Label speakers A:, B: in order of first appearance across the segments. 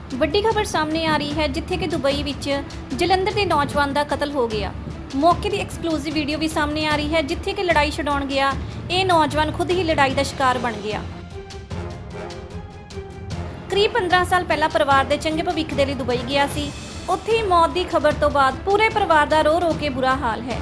A: ਵੱਡੀ ਖਬਰ ਸਾਹਮਣੇ ਆ ਰਹੀ ਹੈ ਜਿੱਥੇ ਕਿ ਦੁਬਈ ਵਿੱਚ ਜਲੰਧਰ ਦੇ ਨੌਜਵਾਨ ਦਾ ਕਤਲ ਹੋ ਗਿਆ। ਮੌਕੇ ਦੀ ਐਕਸਕਲੂਸਿਵ ਵੀਡੀਓ ਵੀ ਸਾਹਮਣੇ ਆ ਰਹੀ ਹੈ ਜਿੱਥੇ ਕਿ ਲੜਾਈ ਛਡਾਉਣ ਗਿਆ ਇਹ ਨੌਜਵਾਨ ਖੁਦ ਹੀ ਲੜਾਈ ਦਾ ਸ਼ਿਕਾਰ ਬਣ ਗਿਆ। ਕਰੀਬ 15 ਸਾਲ ਪਹਿਲਾਂ ਪਰਿਵਾਰ ਦੇ ਚੰਗੇ ਭਵਿੱਖ ਦੇ ਲਈ ਦੁਬਈ ਗਿਆ ਸੀ। ਉੱਥੇ ਹੀ ਮੌਤ ਦੀ ਖਬਰ ਤੋਂ ਬਾਅਦ ਪੂਰੇ ਪਰਿਵਾਰ ਦਾ ਰੋ ਕੇ ਬੁਰਾ ਹਾਲ ਹੈ।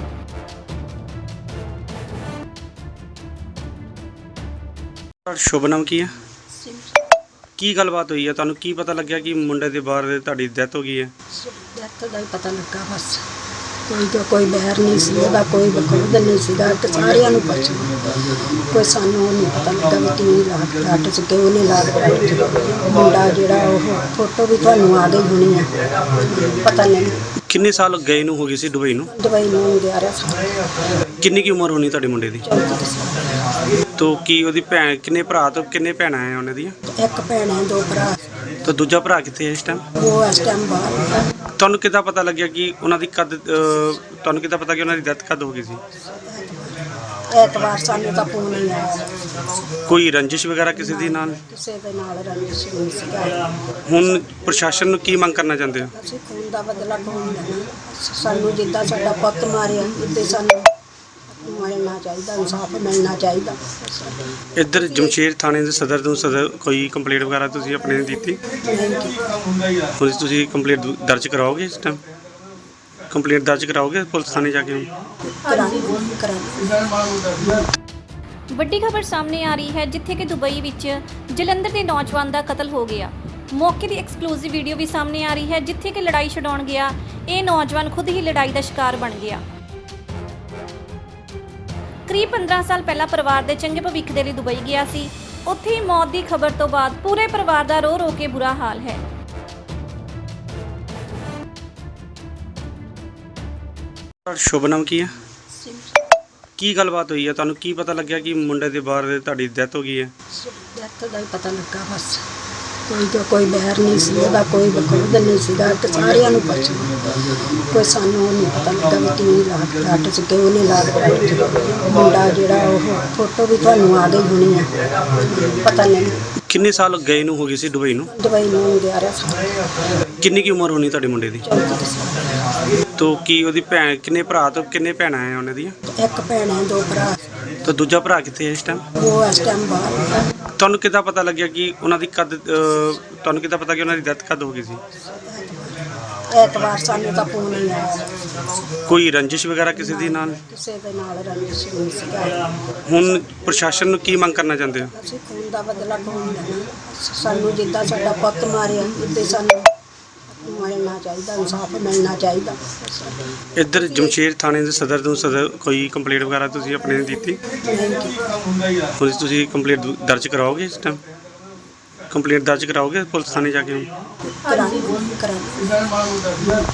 B: शुभ नाम की है की गलबात हुई है तुहानू की पता लग्या कि मुंडे दे बाहर तुहाडी डेथ हो गई है?
C: डेथ का ही पता लगा बस कोई बहर नहीं सी ओहदा कोई बखुद नहीं सीगा ते सारियां नूं पुछ कोई सानू नहीं पता लगा भी किवें लाग डट च क्यों नहीं लाग डट च मुंडा जिहड़ा ओह फोटो भी तुहानू आ गई होनी है पता नहीं
B: किन्ने साल गए नूं हो गई सी दुबई नूं?
C: दुबई नूं 11 साल
B: किन्नी की उम्र होनी तुहाडे मुंडे दी?
C: 34 साल
B: तो की ओहदी भैन किन्ने भरा तो किन्ने भैणां है उन्हां दी?
C: एक भैन है दो भरा
B: तो दूजा भरा कित्थे है इस टाइम?
C: वो इस टाइम बाहर
B: तुहानू किद्दां पता लग्या कि उन्हां दी कद तुहानू किद्दां पता कि उन्हां दी डेथ कद हो गई सी?
C: एतवार सानू तां फोन नहीं आया
B: कोई रंजिश वगैरह किसी दी नाल?
C: किसी दे नाल रंजिश नहीं सीगा।
B: हुण प्रशासन नूं की मंग करना चाहुंदे हो?
C: ਅਸੀਂ ਖੂਨ ਦਾ ਬਦਲਾ ਕੌਣ ਲੈਣਾ ਸਾਨੂੰ ਜਿੱਦਾਂ ਸਾਡਾ ਪੁੱਤ ਮਾਰਿਆ ਇੱਦਾਂ ਸਾਨੂੰ ਮਿਲਣਾ ਚਾਹੀਦਾ ਇਨਸਾਫ ਮਿਲਣਾ ਚਾਹੀਦਾ।
B: ਇੱਧਰ ਜਮਸ਼ੇਰ ਥਾਣੇ ਦੇ ਸਦਰ ਕੋਈ ਕੰਪਲੇਂਟ ਵਗੈਰਾ ਤੁਸੀਂ ਆਪਣੇ ਨੇ ਦਿੱਤੀ? ਹੁਣ ਤੁਸੀਂ ਕੰਪਲੇਂਟ ਦਰਜ ਕਰਾਓਗੇ ਇਸ ਟਾਈਮ? ਕੰਪਲੇਂਟ ਦਰਜ ਕਰਾਓਗੇ ਪੁਲਿਸ ਥਾਣੇ ਜਾ ਕੇ?
A: ਵੱਡੀ ਖਬਰ ਸਾਹਮਣੇ ਆ ਰਹੀ ਹੈ ਜਿੱਥੇ ਕਿ ਦੁਬਈ ਵਿੱਚ ਜਲੰਧਰ ਦੇ ਨੌਜਵਾਨ ਦਾ ਕਤਲ ਹੋ ਗਿਆ। ਮੌਕੇ ਦੀ ਐਕਸਕਲੂਸਿਵ ਵੀਡੀਓ ਵੀ ਸਾਹਮਣੇ ਆ ਰਹੀ ਹੈ ਜਿੱਥੇ ਕਿ ਲੜਾਈ ਛਡਾਉਣ ਗਿਆ ਇਹ ਨੌਜਵਾਨ ਖੁਦ ਹੀ ਲੜਾਈ ਦਾ ਸ਼ਿਕਾਰ ਬਣ ਗਿਆ। ਕਰੀਬ 15 ਸਾਲ ਪਹਿਲਾਂ ਪਰਿਵਾਰ ਦੇ ਚੰਗੇ ਭਵਿੱਖ ਦੇ ਲਈ ਦੁਬਈ ਗਿਆ ਸੀ। ਉੱਥੇ ਹੀ ਮੌਤ ਦੀ ਖਬਰ ਤੋਂ ਬਾਅਦ ਪੂਰੇ ਪਰਿਵਾਰ ਦਾ ਰੋ ਕੇ ਬੁਰਾ ਹਾਲ ਹੈ।
B: शुभ नाम की है की गलबात हुई है तुहानू की पता लग्या कि मुंडे दे बाहर तुहाडी डेथ हो गई है?
C: डेथ का ही पता लगा बस कोई बहर नहीं सी ओहदा कोई बखुद नहीं सीगा ते सारियां नूं पुछ कोई सानू नहीं पता लगा भी किवें लाग डट च क्यों नहीं लाग डट च मुंडा जिहड़ा ओह फोटो भी तुहानू आ गई होनी है पता नहीं
B: किन्ने साल गए नूं हो गई सी दुबई नूं?
C: दुबई नूं 11 साल
B: किन्नी की उम्र होनी तुहाडे मुंडे दी?
C: 34 साल
B: तो की ओहदी भैन किन्ने भरा तो किन्ने भैणां है उन्हां दी?
C: एक भैन है दो भरा
B: तो दूजा भरा कित्थे है इस टाइम?
C: वो इस टाइम बाहर
B: तुहानू किद्दां पता लग्या कि उन्हां दी कद तुहानू किद्दां पता कि उन्हां दी डेथ कद हो गई सी?
C: एतवार सानू तां फोन नहीं आया
B: कोई रंजिश वगैरह किसी दी नाल?
C: किसी दे नाल रंजिश नहीं सीगा।
B: हुण प्रशासन नूं की मंग करना चाहुंदे हो?
C: ਅਸੀਂ ਖੂਨ ਦਾ ਬਦਲਾ ਕੌਣ ਲੈਣਾ ਸਾਨੂੰ ਜਿੱਦਾਂ ਸਾਡਾ ਪੁੱਤ ਮਾਰਿਆ ਇੱਦਾਂ ਸਾਨੂੰ ਮਿਲਣਾ ਚਾਹੀਦਾ ਇਨਸਾਫ ਮਿਲਣਾ ਚਾਹੀਦਾ।
B: ਇੱਧਰ ਜਮਸ਼ੇਰ ਥਾਣੇ ਦੇ ਸਦਰ ਕੋਈ ਕੰਪਲੇਂਟ ਵਗੈਰਾ ਤੁਸੀਂ ਆਪਣੇ ਨੇ ਦਿੱਤੀ? ਹੁਣ ਤੁਸੀਂ ਕੰਪਲੇਂਟ ਦਰਜ ਕਰਾਓਗੇ ਇਸ ਟਾਈਮ? ਕੰਪਲੇਂਟ ਦਰਜ ਕਰਾਓਗੇ ਪੁਲਿਸ ਥਾਣੇ ਜਾ ਕੇ?
C: ਕਰਾਂਗੇ